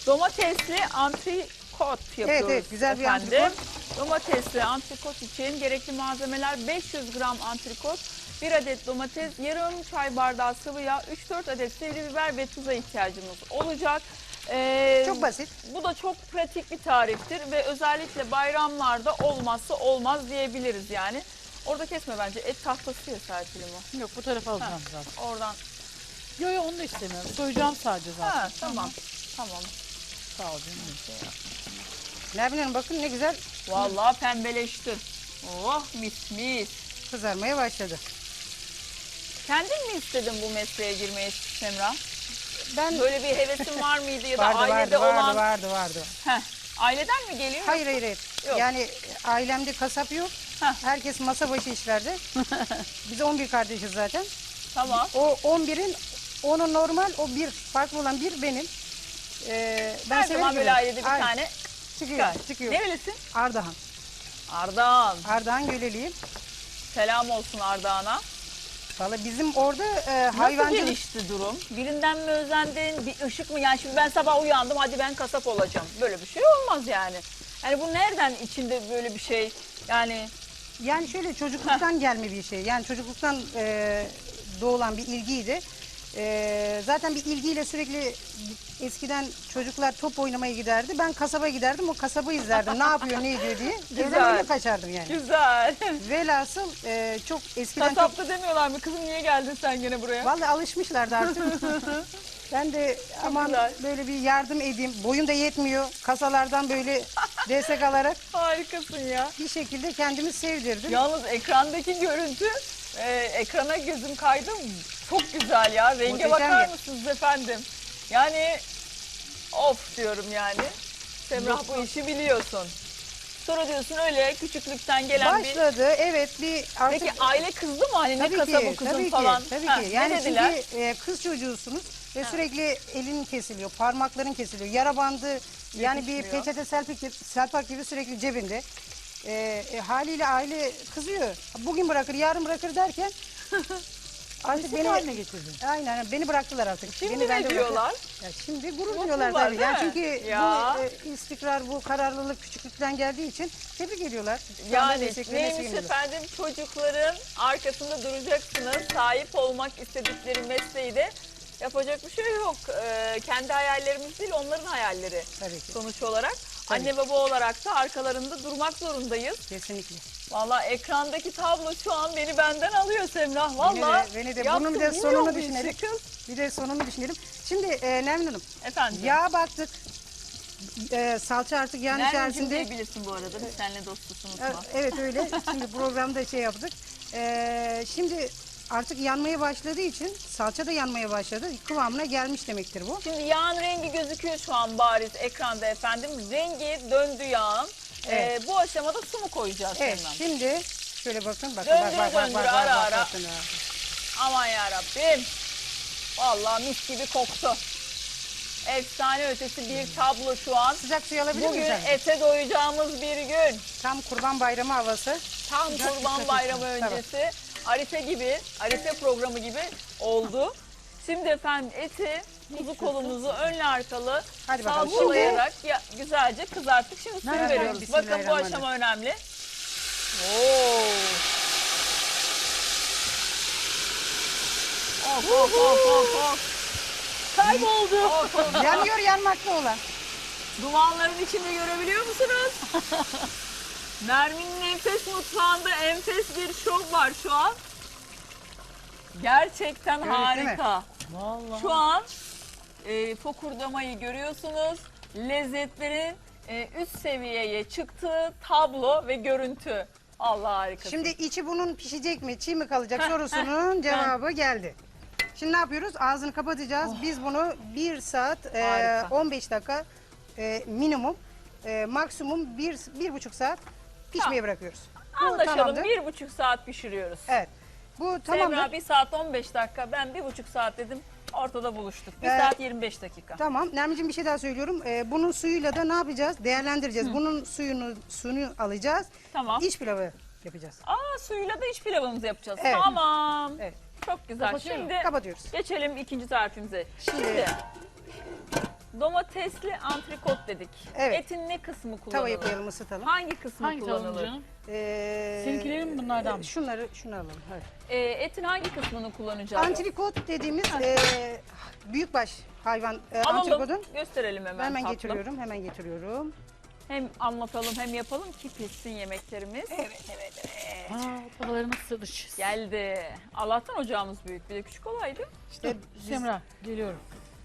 Domatesli antrikot yapıyoruz. Evet, güzel bir efendim. antrikot. Domatesli antrikot için gerekli malzemeler 500 gram antrikot, 1 adet domates, yarım çay bardağı sıvı yağ, 3-4 adet sivri biber ve tuza ihtiyacımız olacak. Çok basit. Bu da çok pratik bir tariftir ve özellikle bayramlarda olmazsa olmaz diyebiliriz yani. Orada kesme bence, et tahtası ya Serpil'im o. Yok, bu tarafa alacağım zaten. Oradan. Yok onu da istemiyorum. Soyacağım sadece zaten. Ha, tamam. Tamam. Sağ ol canım. Nermin Hanım bakın ne güzel Vallahi pembeleşti. Oh mis mis. kızarmaya başladı. Kendin mi istedin bu mesleğe girmeyi Semra? Ben Böyle bir hevesin var mıydı ya da vardı, ailede vardı, olan? vardı. Heh, aileden mi geliyor? Hayır. Yok. Yani ailemde kasap yok. Heh. Herkes masa başı işlerde. Biz 11 kardeşiz zaten. Tamam. O 11'in onu normal, o bir farklı olan bir benim. Ben Her severim zaman böyle yemeği. ailede bir Aynen. tane çıkıyor. çıkar. Nerelisin? Ardahan. Ardahan. Göleliyim. Selam olsun Ardahan'a. Valla bizim orada Nasıl hayvancılık. gelişti durum? Birinden mi özendin? Bir ışık mı? Yani şimdi ben sabah uyandım, hadi ben kasap olacağım. Böyle bir şey olmaz yani. Yani bu nereden içinde böyle bir şey? Yani Yani şöyle çocukluktan gelme bir şey. Yani çocukluktan doğulan bir ilgiydi. Zaten bir ilgiyle sürekli eskiden çocuklar top oynamaya giderdi. Ben kasaba giderdim, o kasabı izlerdim. Ne yapıyor, ne ediyor diye. Evden Güzel. öyle kaçardım yani. güzel. Velhasıl çok eskiden çok... Kasapta demiyorlar mı? Kızım niye geldin sen gene buraya? Vallahi alışmışlardı artık. Ben de aman güzel. böyle bir yardım edeyim. Boyum da yetmiyor. Kasalardan böyle destek alarak Harikasın ya. bir şekilde kendimi sevdirdim. Yalnız ekrandaki görüntü, ekrana gözüm kaydı. Çok güzel ya. Renge Muhteşem bakar ya. mısınız efendim? Yani of diyorum yani. Semrah bu işi biliyorsun. Sonra diyorsun öyle küçüklükten gelen bir... Başladı, evet bir artık... Peki aile kızdı mı? Hani ne kasabı kızın falan? Tabii Ha, ki. ne Yani dediler? çünkü kız çocuğusunuz ve sürekli elin kesiliyor, parmakların kesiliyor, yara bandı, yani bir Yetişmiyor. peçete selpak gibi sürekli cebinde. Haliyle aile kızıyor. Bugün bırakır, yarın bırakır derken artık Beni haline getirdin. aynen beni bıraktılar artık. Şimdi beni ne diyorlar? Ya şimdi gurur Mutlular, duyuyorlar tabii. değil Yani mi? çünkü Ya. bu istikrar, bu kararlılık küçüklükten geldiği için tebrik ediyorlar. Şu anda Yani desteklerine neymiş seviniyorlar. efendim, çocukların arkasında duracaksınız. Sahip olmak istedikleri mesleği de yapacak bir şey yok. Kendi hayallerimiz değil, onların hayalleri Tabii ki. sonuç olarak. Tabii. Anne baba olarak da arkalarında durmak zorundayız. Kesinlikle. Vallahi ekrandaki tablo şu an benden alıyor Semrah. Vallahi Beni de yaptım, bunun bir de bilmiyor sonunu bu işi düşünelim. kız. Bir de sonunu düşünelim. Şimdi Nermin Hanım, Efendim. yağa baktık. Salça artık yağın Nermin'cim içerisinde. diyebilirsin bu arada. Biz seninle dostuz, unutma. Evet öyle. Şimdi programda şey yaptık. Şimdi artık yanmaya başladığı için salça da yanmaya başladı. Kıvamına gelmiş demektir bu. Şimdi yağın rengi gözüküyor şu an bariz ekranda efendim. Rengi döndü yağın. Evet. Bu aşamada su mu koyacağız Evet. Semrah? Şimdi şöyle bakın. Bakın Döndür, ara ara. bakın ha. Aman yarabbim. Vallahi mis gibi koktu. Efsane ötesi bir tablo şu an. Sıcak suyu alabilir Bugün miyiz? ete doyacağımız bir gün. Tam Kurban Bayramı havası. Tam Sıcak Kurban sıcak Bayramı olsun. Tamam. öncesi. Arife gibi, Arife programı gibi oldu. Şimdi efendim eti, kuzu kolumuzu önlü arkalı Hadi bakalım. salçalayarak güzelce kızarttık. Şimdi suyu Nereden? veriyoruz. Bakın bu Bismillahirrahmanirrahim. aşama önemli. Oo. Of. Kayboldu. Of. Yanıyor yanmakta olan. Dumanların içinde görebiliyor musunuz? Nermin'in enfes mutfağında enfes bir şov var şu an. Gerçekten Evet, değil mi? harika. Vallahi. Şu an fokurdamayı görüyorsunuz. Lezzetlerin üst seviyeye çıktığı tablo ve görüntü. Allah harika. Şimdi içi bunun pişecek mi, çiğ mi kalacak sorusunun cevabı geldi. Şimdi ne yapıyoruz? Ağzını kapatacağız. Biz bunu 1 saat Harika. 15 dakika minimum, maksimum 1,5 saat pişmeye Tamam. bırakıyoruz. Bu anlaşalım. tamamdır. 1,5 saat pişiriyoruz. Evet. Bu tamamdır. Semra 1 saat 15 dakika. Ben 1,5 saat dedim. Ortada buluştuk. 1 Evet. saat 25 dakika. Tamam. Nermin'cim bir şey daha söylüyorum. Bunun suyuyla da ne yapacağız? Değerlendireceğiz. Bunun suyunu alacağız. Tamam. İç pilavı yapacağız. Suyuyla da iç pilavımızı yapacağız. Evet. Tamam. Evet. Çok güzel. Kapatıyorum. Şimdi Kapatıyoruz. geçelim ikinci tarifimize. Şimdi- Şimdi Domatesli antrikot dedik. Evet. Etin ne kısmı kullanılır? Tavaya koyalım, ısıtalım. Hangi kısmı Hangi tavuğun kullanılır? canım? Seninkilerin Seninkilerin mi bunlardan mı? Şunu alalım. Hadi. Etin hangi kısmını kullanacağız? Antrikot dediğimiz büyükbaş hayvan Alalım, antrikodun. gösterelim hemen Hemen tatlım. getiriyorum. Hem anlatalım hem yapalım ki pişsin yemeklerimiz. Evet. Babaları nasıl sığdış? Geldi. Allah'tan ocağımız büyük. Bir de küçük olaydı. İşte Semra geliyorum.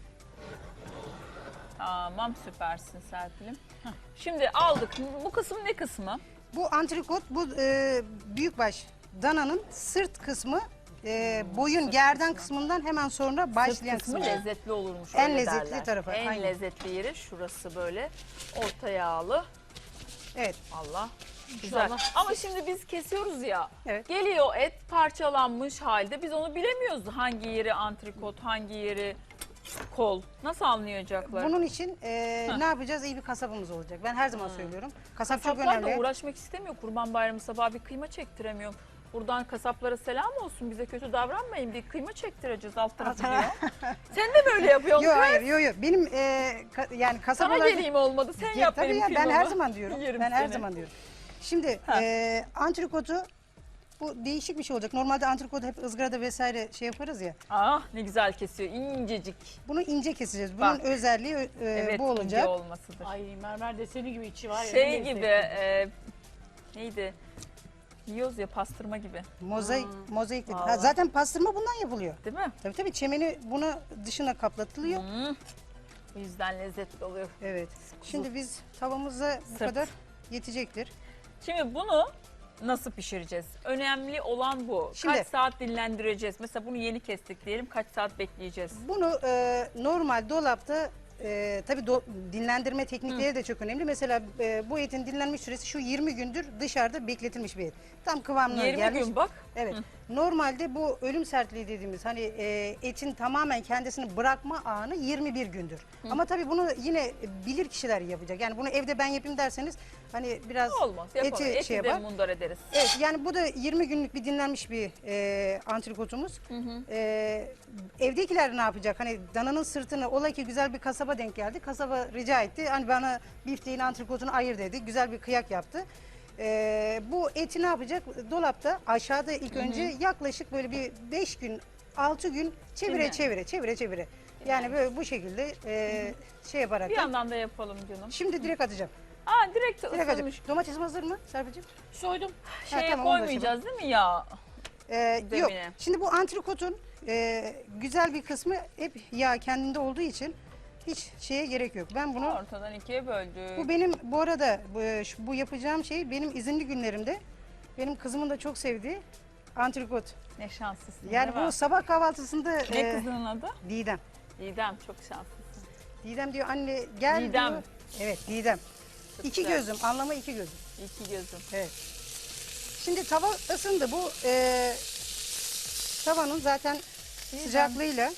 Tamam, süpersin Serpil'im. Şimdi aldık. Bu kısım ne kısmı? bu antrikot, bu büyükbaş dananın sırt kısmı, boyun gerdan kısmından hemen sonra başlayan Sırt kısmı kısmı. lezzetli olurmuş. En öyle lezzetli derler. tarafı, En aynen. lezzetli yeri şurası böyle. Orta yağlı. Evet. Allah. Güzel. İnşallah. Ama şimdi biz kesiyoruz ya. Evet. Geliyor et parçalanmış halde. Biz onu bilemiyoruz. Hangi yeri antrikot, hangi yeri kol. Nasıl anlayacaklar? Bunun için ne yapacağız? İyi bir kasabımız olacak. Ben her zaman söylüyorum. Kasap çok Kasaplar da önemli. uğraşmak istemiyor. Kurban Bayramı sabahı bir kıyma çektiremiyorum. Buradan kasaplara selam olsun. Bize kötü davranmayın. Bir kıyma çektireceğiz alt tarafı diyor. Sen de böyle yapıyorsun. Yok kız. hayır, yok. Benim yani kasap Sana olarak... geleyim olmadı. Sen yap Tabii benim ya, ben kıymamı. her zaman diyorum. Yerim Ben her seni. zaman diyorum. Şimdi Ha. antrikotu, bu değişik bir şey olacak. Normalde antrikotu hep ızgarada vesaire şey yaparız ya. Ah ne güzel kesiyor. İncecik. Bunu ince keseceğiz. Bunun Bak. özelliği Evet, bu ince olacak. olmasıdır. Ay mermer deseni gibi içi var ya. Şey ne gibi, lezzetli. neydi? Yiyoruz ya, pastırma gibi. Mozaik dedi. Vallahi. Zaten pastırma bundan yapılıyor. Değil mi? Tabii çemeni buna dışına kaplatılıyor. O yüzden lezzetli oluyor. Evet. Şimdi biz tavamıza bu Sırt. kadar yetecektir. Şimdi bunu nasıl pişireceğiz? Önemli olan bu. Şimdi- Kaç saat dinlendireceğiz? Mesela bunu yeni kestik diyelim. Kaç saat bekleyeceğiz? Bunu normal dolapta tabii dinlendirme teknikleri de çok önemli. Mesela bu etin dinlenmiş süresi şu 20 gündür dışarıda bekletilmiş bir et. Tam kıvamına 20 gelmiş. gün bak. Evet. Normalde bu ölüm sertliği dediğimiz hani etin tamamen kendisini bırakma anı 21 gündür. Ama tabii bunu yine bilir kişiler yapacak. Yani bunu evde ben yapayım derseniz hani biraz Olmaz. Yapalım. eti Eti şey de yapar. mundar ederiz. Evet, yani bu da 20 günlük bir dinlenmiş bir antrikotumuz. Evdekiler ne yapacak? Hani dananın sırtını, ola ki güzel bir kasaba denk geldi. Kasaba rica etti. Hani bana bifteğin antrikotunu ayır dedi. Güzel bir kıyak yaptı. Bu eti ne yapacak? Dolapta aşağıda ilk önce yaklaşık böyle bir 5 gün 6 gün çevire. Yani böyle bu şekilde şey yaparak. Bir yandan da yapalım canım. Şimdi direkt atacağım. Direkt Direkt atacağım. ısınmış. Domatesim hazır mı Serpil'cim? Soydum. Şeye tamam, onu da koymayacağız değil mi ya? Yok. Zemine. Şimdi bu antrikotun güzel bir kısmı hep yağ kendinde olduğu için hiç şeye gerek yok. Ben bunu Ortadan ikiye böldük. bu benim bu arada bu yapacağım şey benim izinli günlerimde benim kızımın da çok sevdiği antrikot. Ne şanslısın. Yani değil mi? bu sabah kahvaltısında Ne kızının adı? Didem. Didem, çok şanslısın. Didem diyor anne gel Didem. diyor. Evet Didem. Çok İki güzel. gözüm, anlamı iki gözüm. İki gözüm. Evet. Şimdi tava ısındı. Bu tavanın zaten sıcaklığıyla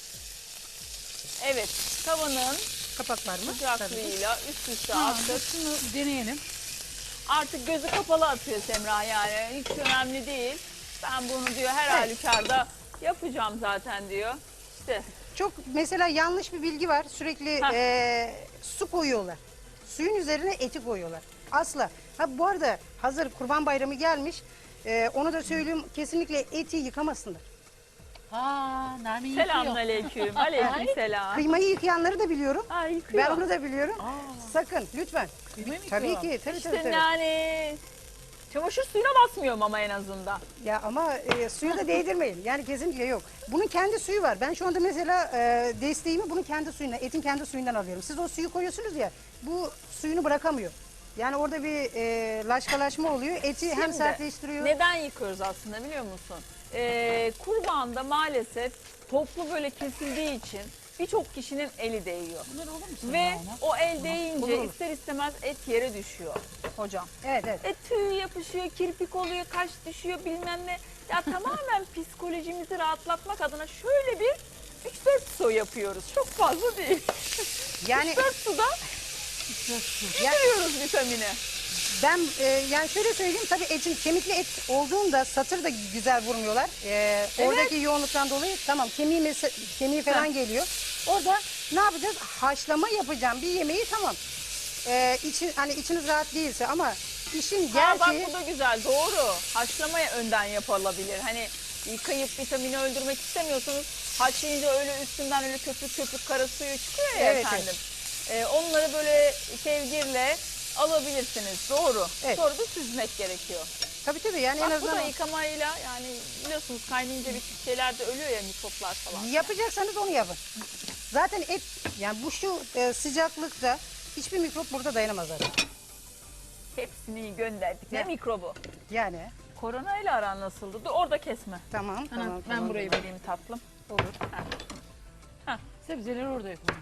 Evet, tavanın kapak var mı? sıcaklığıyla üst üste Ha, attık. şunu deneyelim. Artık gözü kapalı atıyor Semra, yani hiç önemli değil. Ben bunu diyor her Evet. halükarda yapacağım zaten diyor. İşte Çok mesela yanlış bir bilgi var. Sürekli su koyuyorlar. Suyun üzerine eti koyuyorlar. Asla. Ha bu arada hazır Kurban Bayramı gelmiş. Onu da söyleyeyim. Kesinlikle eti yıkamasınlar. Nermin yıkıyor. selamünaleyküm. Aleyküm selam. Kıymayı yıkayanları da biliyorum. Yıkıyor. Ben onu da biliyorum. Sakın lütfen. Kıymayı mı Tabii yıkıyor? ki. Tabii, İşte tabii. yani çamaşır suyuna basmıyorum ama en azından. Ya ama suyu da değdirmeyin. Yani kesinlikle yok. Bunun kendi suyu var. Ben şu anda mesela desteğimi bunun kendi suyundan, etin kendi suyundan alıyorum. Siz o suyu koyuyorsunuz ya, bu suyunu bırakamıyor. Yani orada bir laşkalaşma oluyor. Eti hem Şimdi, sertleştiriyor. Neden yıkıyoruz aslında biliyor musun? Kurbanda maalesef toplu böyle kesildiği için birçok kişinin eli değiyor. Bunlar olur mu sana Ve yani? o el değince olur. ister istemez et yere düşüyor hocam. Evet, evet. Tüy yapışıyor, kirpik oluyor, kaş düşüyor bilmem ne. Ya tamamen psikolojimizi rahatlatmak adına şöyle bir 3-4 su yapıyoruz. Çok fazla değil. Yani 4 suda ya, veriyoruz vitamini. ben yani şöyle söyleyeyim, tabii etin kemikli et olduğunda satır da güzel vurmuyorlar. Oradaki yoğunluktan dolayı tamam kemiği falan geliyor. Orada Ne yapacağız? Haşlama yapacağım bir yemeği tamam. Hani içiniz rahat değilse ama işin Ha, bak gerçeği bu da güzel, doğru. Haşlamaya önden yapılabilir. Hani yıkayıp vitamini öldürmek istemiyorsanız haşlayınca öyle üstünden öyle köpük köpük kara suyu çıkıyor ya Evet, efendim. Onları böyle kevgirle alabilirsiniz. Doğru. Evet. Sonra da süzmek gerekiyor. tabii yani en Bak bu da azından yıkamayla, yani biliyorsunuz kaynayınca bir tür şeyler de ölüyor ya, mikroplar falan. yapacaksanız onu yapın. Zaten et yani bu şu sıcaklıkta hiçbir mikrop burada dayanamaz zaten. Hepsini gönderdik. Ne Ya. mikrobu? Yani Korona ile aran nasıldı? Dur, orada kesme. tamam tamam. Ben tamam, burayı tamam. vereyim tatlım. Olur. Sebzeleri orada yapalım.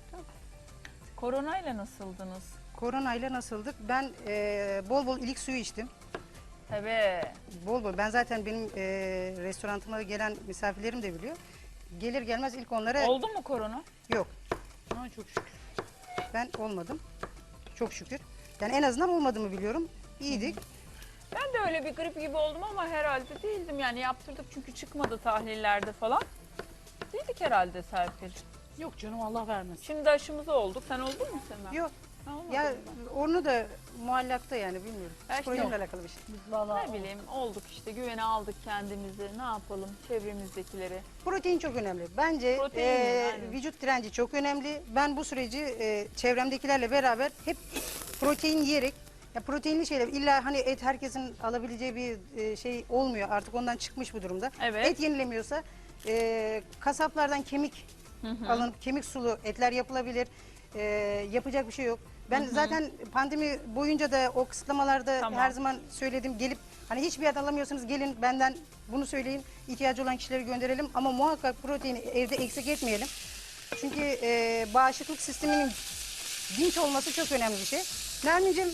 Korona ile nasıldınız? Koronayla nasıldık? Ben bol bol ilik suyu içtim. Tabii. Bol bol. Ben zaten benim restorantıma gelen misafirlerim de biliyor. Gelir gelmez ilk onlara Oldu mu korona? yok. Ama çok şükür. Ben olmadım. Çok şükür. Yani en azından olmadığımı biliyorum. İyiydik. Ben de öyle bir grip gibi oldum ama herhalde değildim. Yani yaptırdık çünkü çıkmadı tahlillerde falan. Değildik herhalde Serpil. Yok canım, Allah vermesin. Şimdi aşımızı olduk. Sen oldun mu Sema? Yok. Ha, olmadın Ya mı? onu da muallakta yani bilmiyorum. Ha, işte Psikolojimle yok. alakalı bir şey. Biz vallahi Ne bileyim, olduk işte, güvene aldık kendimizi. Ne yapalım, çevremizdekileri. Protein çok önemli. Bence Protein, aynen. vücut direnci çok önemli. Ben bu süreci çevremdekilerle beraber hep protein yiyerek, ya proteinli şeyler, illa hani et herkesin alabileceği bir şey olmuyor. Artık ondan çıkmış bu durumda. Evet. Et yenilemiyorsa kasaplardan kemik alınıp kemik sulu etler yapılabilir. Yapacak bir şey yok. Ben zaten pandemi boyunca da o kısıtlamalarda Tamam. her zaman söyledim. Gelip hani hiçbir yer alamıyorsanız gelin benden bunu söyleyin. İhtiyacı olan kişileri gönderelim ama muhakkak proteini evde eksik etmeyelim. Çünkü bağışıklık sisteminin dinç olması çok önemli bir şey. Nermin'cim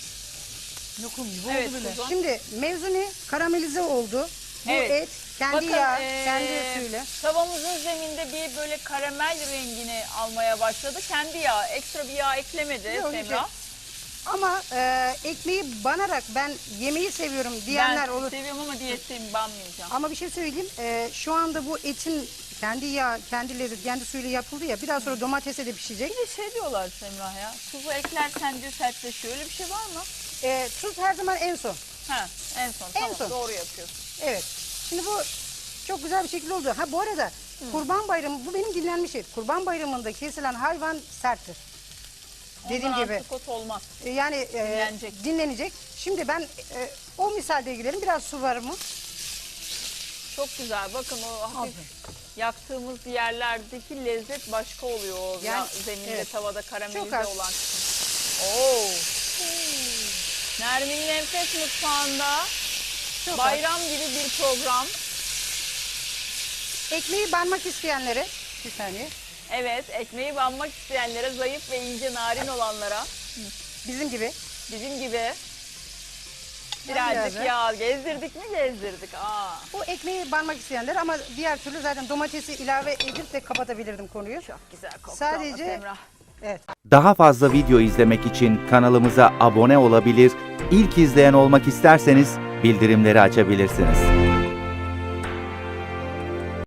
lokum gibi Evet, oldu bile. Suzan. şimdi mevzu ne? Karamelize oldu. Bu Evet. et kendi Bakın, yağı, kendi suyuyla. tavamızın zeminde bir böyle karamel rengini almaya başladı. Kendi yağı, ekstra bir yağ eklemedi Yok, hiç Semra. yok. Ama ekmeği banarak ben yemeği seviyorum diyenler Ben olur. seviyorum ama diyetteyim, banmayacağım. Ama bir şey söyleyeyim. Şu anda bu etin kendi yağ, kendi lezzet, kendi suyuyla yapıldı ya. Bir daha sonra domatese de pişecek. Bir de şey diyorlar Semra ya, tuzu eklersen diyor sertleşiyor. Öyle bir şey var mı? Tuz her zaman en son. Ha, en son. En Tamam, son. doğru yapıyorsun. Evet. Şimdi bu çok güzel bir şekilde oldu. Ha bu arada Kurban Bayramı, bu benim dinlenmiş et. Kurban Bayramı'nda kesilen hayvan serttir. Dediğim Ondan gibi. antrikot olmaz. Yani Dinlenecek. dinlenecek. Şimdi ben o misalde gidelim. Biraz su var mı? Çok güzel. Bakın o hafif yaktığımız yerlerdeki lezzet başka oluyor. O Yani, zeminde, evet. tavada Çok karamelize az. olan kısım. Oo. Nermin'in Enfes Mutfağı'nda Çok az. bayram gibi bir program. Ekmeği banmak isteyenlere bir saniye. Evet, ekmeği banmak isteyenlere, zayıf ve ince narin olanlara, Bizim gibi. bizim gibi biraz birazcık da. yağ gezdirdik mi gezdirdik. Bu ekmeği banmak isteyenler ama diğer türlü zaten domatesi ilave edip de kapatabilirdim konuyu. Çok güzel koktu Sadece- ama Semra. Evet. Daha fazla video izlemek için kanalımıza abone olabilir, ilk izleyen olmak isterseniz bildirimleri açabilirsiniz.